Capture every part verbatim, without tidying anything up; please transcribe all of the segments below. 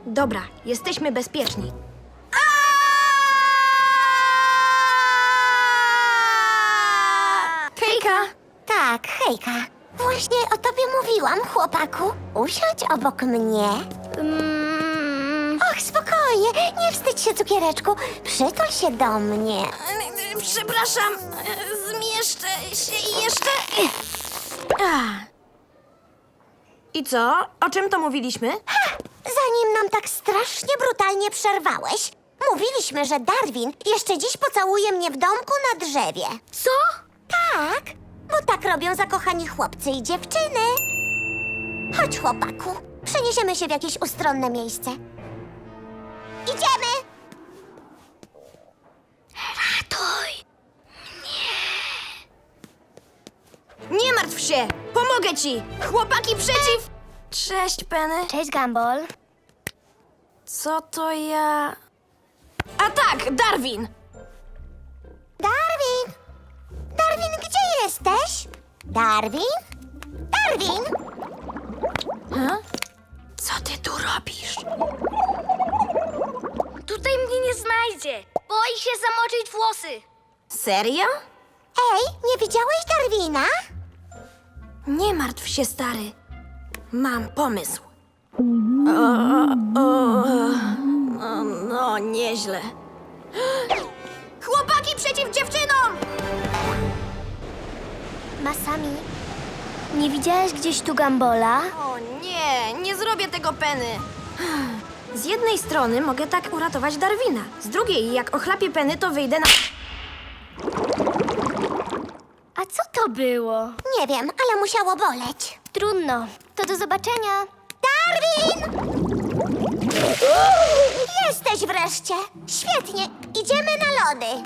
Dobra, jesteśmy bezpieczni. Hejka! Tak, hejka. Właśnie o tobie mówiłam, chłopaku. Usiądź obok mnie. Mm, Och, spokojnie, nie wstydź się, cukiereczku. Przytul się do mnie. przepraszam, zmieszczę się jeszcze. Ah. I co? O czym to mówiliśmy? Ha! Zanim nam tak strasznie brutalnie przerwałeś, mówiliśmy, że Darwin jeszcze dziś pocałuje mnie w domku na drzewie. Co? Tak, bo tak robią zakochani chłopcy i dziewczyny. Chodź, chłopaku, przeniesiemy się w jakieś ustronne miejsce. Idziemy! Ratuj! Nie! Nie martw się! Pomogę ci! Chłopaki przeciw! Cześć, Penny. Cześć, Gumball. Co to ja... A tak, Darwin! Darwin! Darwin, gdzie jesteś? Darwin? Darwin! Ha? Co ty tu robisz? Tutaj mnie nie znajdzie. Boi się zamoczyć włosy. Serio? Ej, nie widziałeś Darwina? Nie martw się, stary. Mam pomysł. O, o, o, no, nieźle. Chłopaki przeciw dziewczynom! Masami, nie widziałeś gdzieś tu Gumbola? O nie, nie zrobię tego, Penny. Z jednej strony mogę tak uratować Darwina. Z drugiej, jak ochlapię Penny, to wyjdę na... A co to było? Nie wiem, ale musiało boleć. Trudno. To do zobaczenia. Darwin! Jesteś wreszcie. Świetnie, idziemy na lody.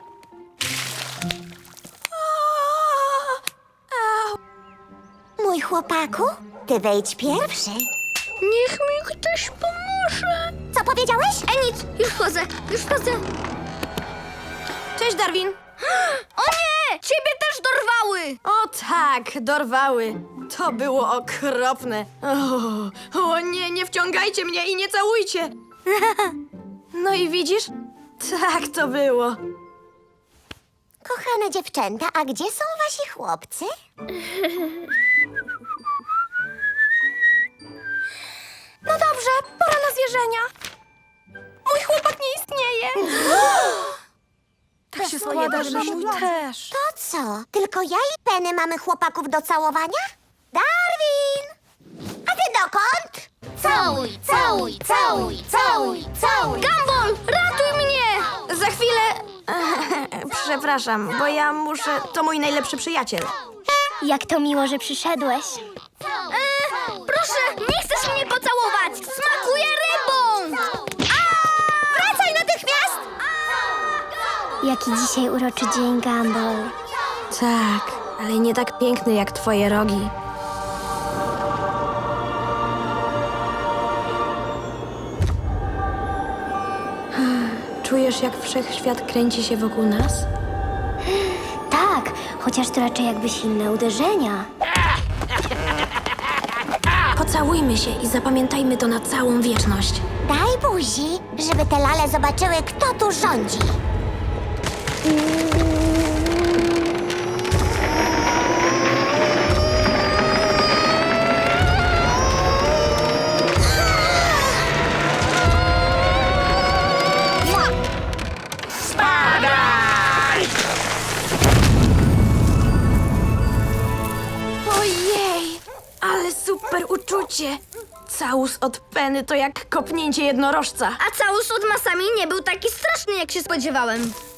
Mój chłopaku, ty wejdź pierwszy. Niech mi ktoś pomoże. Co powiedziałeś? E nic, już chodzę, już chodzę. Cześć, Darwin. O nie! Ciebie też dorwały! O tak, dorwały. To było okropne. O, o nie, nie wciągajcie mnie i nie całujcie. No i widzisz? Tak to było. Kochane dziewczęta, a gdzie są wasi chłopcy? No dobrze, pora na zwierzenia. Mój chłopak nie istnieje. Tak się składa, że mój też. To co? Tylko ja i Penny mamy chłopaków do całowania? Darwin! A ty dokąd? Całuj, całuj, całuj, całuj, całuj. Gumball, ratuj mnie! Za chwilę... Przepraszam, bo ja muszę... To mój najlepszy przyjaciel. Jak to miło, że przyszedłeś. E, proszę, nie chcesz mnie pocałować! Smakuje rybą! Wracaj natychmiast! Jaki dzisiaj uroczy dzień, Gumball. Tak, ale nie tak piękny jak twoje rogi. Czujesz, jak wszechświat kręci się wokół nas? Tak, chociaż to raczej jakby silne uderzenia. Pocałujmy się i zapamiętajmy to na całą wieczność. Daj buzi, żeby te lale zobaczyły, kto tu rządzi. Ojej, ale super uczucie. Całus od Penny to jak kopnięcie jednorożca. A całus od Masami nie był taki straszny, jak się spodziewałem.